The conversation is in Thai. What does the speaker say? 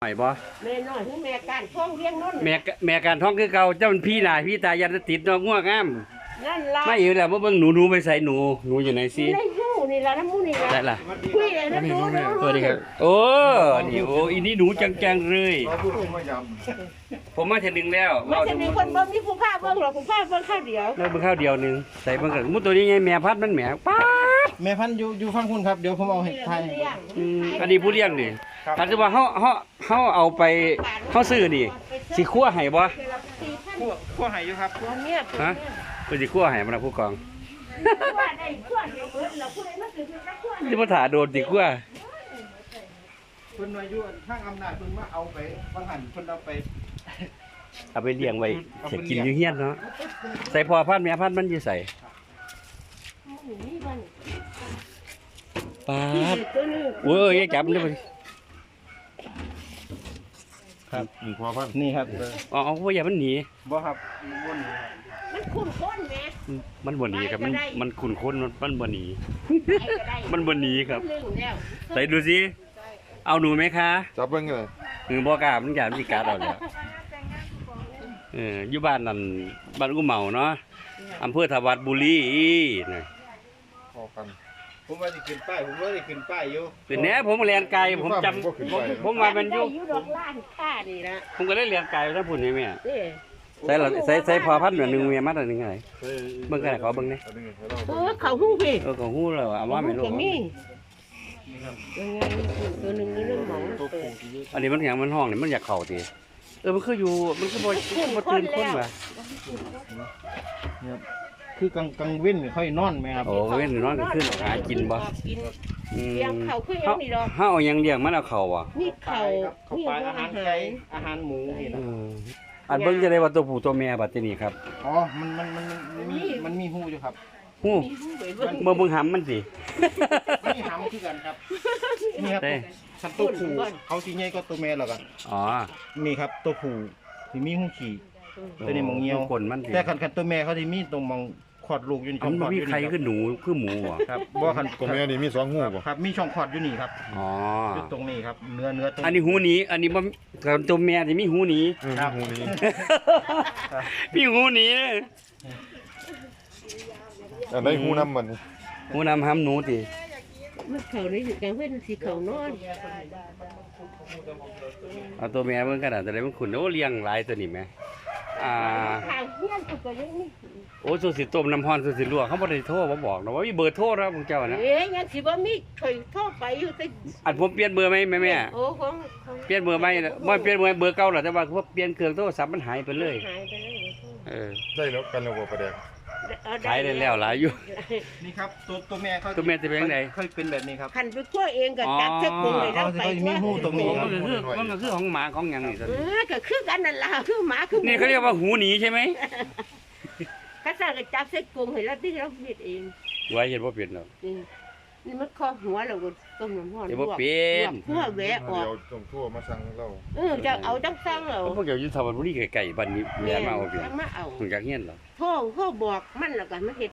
หอยบ่แม่น้อยคือแม่การท้องเลี้ยงนนแม่การท้องคือเก่าเจ้ามันพี่หน้าพี่ตายันติดน้องง่วงงามนั่นล่ะไม่อยู่แล้วบ่เบิ่งหนูไปใส่หนูอยู่ไหนสิในหูนี่ล่ะน้ำมูนี่ล่ะได้ล่ะคุยเลยนะดูนะสวัสดีครับโอ้นี่โอ้อีนี่หนูจังๆเลยผมมาเทื่อนึงแล้วมันจะมีคนเบิ่งมีผู้พาเบิ่งหรอกผู้พาเบิ่งข้าวเดียวแล้วเบิ่งข้าวเดียวนึงใส่เบิ่งกันมุตัวนี้ไงแม่พัดมันแหมป๊าดแม่พันธุ์อยู่ฟังคุณครับเดี๋ยวผมเอาให้ทายอันนี้ผู้เลี้ยงนี่ถ้าคือว่าเฮาเอาไปเฮาซื้อนี่สิคั่วให้บ่ขั้วหายอยู่ครับตัวเมียตัวฮะเมียเพิ่นสิคั่วให้มันนะผู้กองว่าได้ขั้วเดียวเบิดแล้วผู้ใดมาซื้อสักขั้วสิบ่ถ่าโดนสิคั่วเพิ่นอายุข้างอำนาจเพิ่นมาเอาไปบางหันเพิ่นเอาไปเอาไปเลี้ยงไว้จะกินอยู่เฮียนเนาะใส่พ่อพันธุ์แม่พันธุ์มันอยู่ใส่นี่บ้านป๊าดตัวนึงโอ้ยอย่าจับมันเด้อครับพอพันนี่ครับอ๋อบ่อย่ามันหนีบ่ครับวนอยู่ครับมันคุ้นค้นแม่มันบ่หนีครับมันขุ่นคนมันบ่หนีไอ้ก็ได้มันบ่หนีครับลึงแล้วใส่ดูสิเอาหนูไหมคะจับเบิ้งเลยบ่กล้ามันอยากสิกัดเอาแล้วอยู่บ้านนั่นบ้านกูเหมาเนาะอำเภอทวัดบุรีนะพอกันผมว่าสิขึ้นป้ายผมว่าสิขึ้นป้ายอยู่เป็นแหน่ผมเรียนไกลผมจำผมว่ามันอยู่ได้อยู่ดอกล้านค่านี่ล่ะผมก็เลยเรียนไกลถ้าพูดนี่แม่เด้ใส่พอพันธุ์หนึ่งเมียมาตัวนึงไงเบิ่งกันขอเบิ่งนี่เขาหู้พี่ก็ฮู้แล้วเอาว่าไม่รู้ก็มียังไงตัวหนึงนี่เรื่องหมองตัวเปิผูดที่เยอะอันนี้มันอย่างมันห้องนี่มันอยากเข้าติมันคืออยู่มันคือบ่ตื่นคนว่ะเนี่ยคือกลางเว้นค่อยนอนไหมครับโอ้เว้นนอนก็ขึ้นหากินบ่กินอืมเลี้ยงเขาคือยังนี่ดอกเฮาเอาหยังเลี้ยงมันเอาเข้าบ่นี่เขาเขานี่ปลาอาอาหาหาร รไก่ไก่อาหารหมูนี่นะอันเบิ่งจะได้ว่าตัวผู้ตัวแม่บัดนี้ครับอ๋อมันมีหูอยู่ครับฮู้เบิ่งหำมันสิมันมีหำคือกันครับนี่ครับคันตัวผู้เขาสิใหญ่กว่าตัวแม่แล้วกันอ๋อนี่ครับตัวผู้ที่มีหูขี่ตัวนี้มองเงียวคนมันสิแต่คันตัวแม่เขาสิมีตรงมองขอดลูกอยู่นี่อันช่มัอน งขอดมีอยู่ใครนี่คือหนูคือหมูอ่ะครับบ่คันตัวแม่นี่มีสองหูป่ะครับมีช่องขอดอยู่นี่ครับอ๋ออยู่ตรงนี้ครับเนื้อตรงอันนี้หูหนีอันนี้บ่ตัวแม่ที่มีหูหนีหูนี้มีหูหนีอันไหนหูน้ำมันหูนำหำหนูติมันเขานี่อยู่กลางเว้นสิเขานอนเอาตัวแม่เบิ่งกันน่ะแต่ได้มันขุนโอ้เลี้ยงหลายตัวนี่แม่ทางเฮียนก็ยังนี่โอ้สุสิต้มน้ำร้อนสุสิลวกเขาบ่ได้โทรมาบอกนะว่ามีเบอร์โทรแล้วพวกเจ้านะเอ๊ยยังสิบ่มีเคยโทรไปอยู่แต่อันผมเปลี่ยนเบอร์ไหมแม่โอ้ของเปลี่ยนเบอร์ไหมบ่เปลี่ยนเบอร์เก่าหรอกแต่ว่าเปลี่ยนเครื่องโทรศัพท์มันหายไปเลยหายไปเลยได้แล้วกันแล้วบ่ประเดี๋ยวขายได้แล้วหลายอยู่นี่ครับตัวแม่เขาตัวแม่จะเป็นจังไดเคยเป็นแบบนี้ครับคันไปตัวเองก็จับเส้นกงเลยแล้วไปเขาจะมีหูตรงนี้มันก็คือของหมาของหยังนี่ก็คือกันนั่นล่ะคือหมาคือนี่เขาเรียกว่าหูหนีใช่ไหมข้าสั่งก็จับเส้นกงให้เราที่เราเฮ็ดเองไว้เห็นบ่เป็นหรอกนี่มันคอหัวเราก็ต้มน้ำร้อนเดี๋ยวบ่เป็นเพื่อแวะออกเดี๋ยวส่งทั่วมาสั่งเราจะเอาจังสั่งเอาพวกเจ้าอยู่สระบุรีไกลๆบ้านนี้แม่มาเอาเปลี่ยนมาเอาถึงจากเฮียนเหรอโทรบอกมันแล้วกันมันเฮ็ด